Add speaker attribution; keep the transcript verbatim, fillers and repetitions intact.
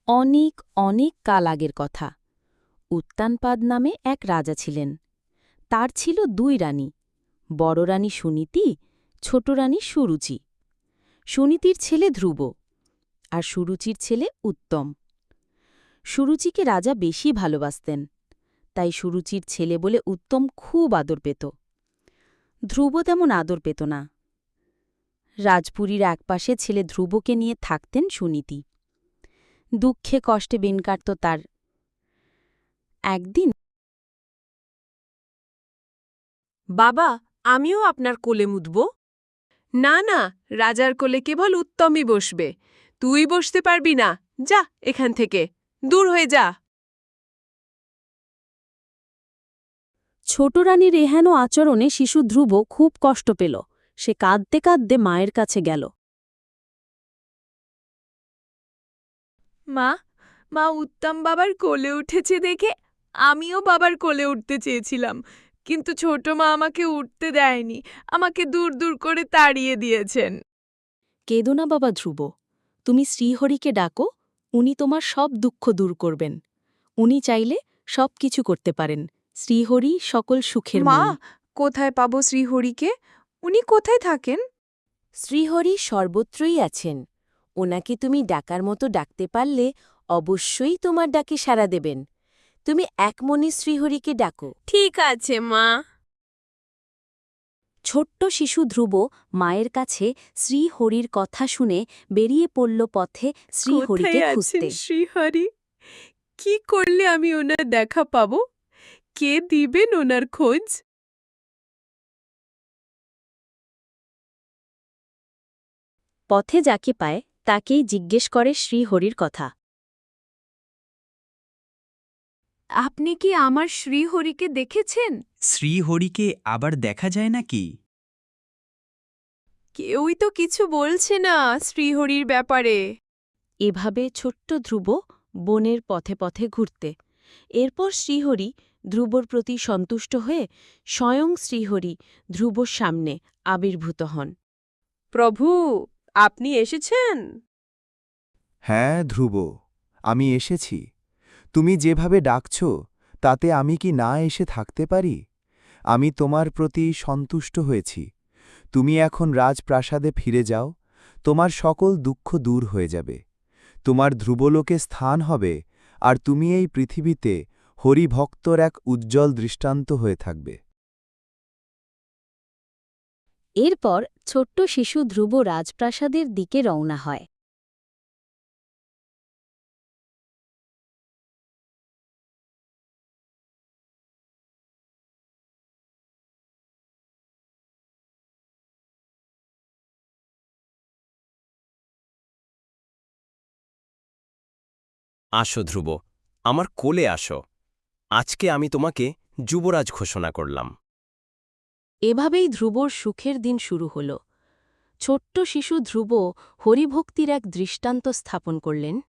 Speaker 1: অনেক অনেক কাল আগের কথা। উত্তানপাদ নামে এক রাজা ছিলেন। তার ছিল দুই রানী, বড় রানী সুনীতি, ছোট রানী সুরুচি। সুনীতির ছেলে ধ্রুব, আর সুরুচির ছেলে উত্তম। সুরুচিকে রাজা বেশি ভালোবাসতেন, তাই সুরুচির ছেলে বলে উত্তম খুব আদর পেত। ধ্রুব তেমন আদর পেত না। রাজপুরীর একপাশে ছেলে ধ্রুবকে নিয়ে থাকতেন সুনীতি। দুঃখে কষ্টে দিন কাটত তার। একদিন,
Speaker 2: বাবা, আমিও আপনার কোলে মুতব। না না, রাজার কোলে কেবল উত্তমই বসবে। তুই বসতে পারবি না। যা এখান থেকে, দূর হয়ে যা।
Speaker 1: ছোট রানীর এহেন আচরণে শিশু ধ্রুব খুব কষ্ট পেল। সে কাঁদতে কাঁদতে মায়ের কাছে গেল।
Speaker 2: মা, মা উত্তম বাবার কোলে উঠেছে দেখে আমিও বাবার কোলে উঠতে চেয়েছিলাম, কিন্তু ছোট মা আমাকে উঠতে দেয়নি, আমাকে দূর দূর করে তাড়িয়ে দিয়েছেন।
Speaker 1: কেঁদো না বাবা ধ্রুব, তুমি শ্রীহরিকে ডাকো, উনি তোমার সব দুঃখ দূর করবেন। উনি চাইলে সব কিছু করতে পারেন। শ্রীহরি সকল সুখের
Speaker 2: মা,
Speaker 1: মূল।
Speaker 2: কোথায় পাবো শ্রীহরিকে? উনি কোথায় থাকেন?
Speaker 3: শ্রীহরি সর্বত্রই আছেন। ওনাকে তুমি ডাকার মতো ডাকতে পারলে অবশ্যই তোমার ডাকে সাড়া দেবেন। তুমি একমনে শ্রীহরিকে ডাকো।
Speaker 2: ঠিক আছে মা।
Speaker 1: ছোট্ট শিশু ধ্রুব মায়ের কাছে শ্রীহরির কথা শুনে বেরিয়ে পড়ল পথে শ্রীহরিকে
Speaker 2: কোথায়
Speaker 1: খুঁজতে।
Speaker 2: আছেন শ্রীহরি? কি করলে আমি ওনার দেখা পাবো? কে দিবেন ওনার খোঁজ?
Speaker 1: পথে যাকে পায় তাকেই জিজ্ঞেস করে শ্রীহরির কথা।
Speaker 2: আপনি কি আমার শ্রীহরিকে দেখেছেন?
Speaker 4: শ্রীহরিকে আবার দেখা যায় নাকি?
Speaker 2: কেউই তো কিছু বলছে না শ্রীহরির ব্যাপারে।
Speaker 1: এভাবে ছোট্ট ধ্রুব বনের পথে পথে ঘুরতে। এরপর শ্রীহরি ধ্রুবর প্রতি সন্তুষ্ট হয়ে স্বয়ং শ্রীহরি ধ্রুবর সামনে আবির্ভূত হন।
Speaker 2: প্রভু, আপনি এসেছেন?
Speaker 5: হ্যাঁ ধ্রুব, আমি এসেছি। তুমি যেভাবে ডাকছ তাতে আমি কি না এসে থাকতে পারি? আমি তোমার প্রতি সন্তুষ্ট হয়েছি। তুমি এখন রাজপ্রাসাদে ফিরে যাও, তোমার সকল দুঃখ দূর হয়ে যাবে। তোমার ধ্রুবলোকে স্থান হবে, আর তুমি এই পৃথিবীতে হরিভক্তর এক উজ্জ্বল দৃষ্টান্ত হয়ে থাকবে।
Speaker 1: এরপর ছোট্ট শিশু ধ্রুব রাজপ্রাসাদের দিকে রওনা হয়।
Speaker 6: আসো ধ্রুব, আমার কোলে আসো। আজকে আমি তোমাকে যুবরাজ ঘোষণা করলাম।
Speaker 1: এভাবেই ধ্রুবর সুখের দিন শুরু হল। ছোট্ট শিশু ধ্রুব হরিভক্তির এক দৃষ্টান্ত স্থাপন করলেন।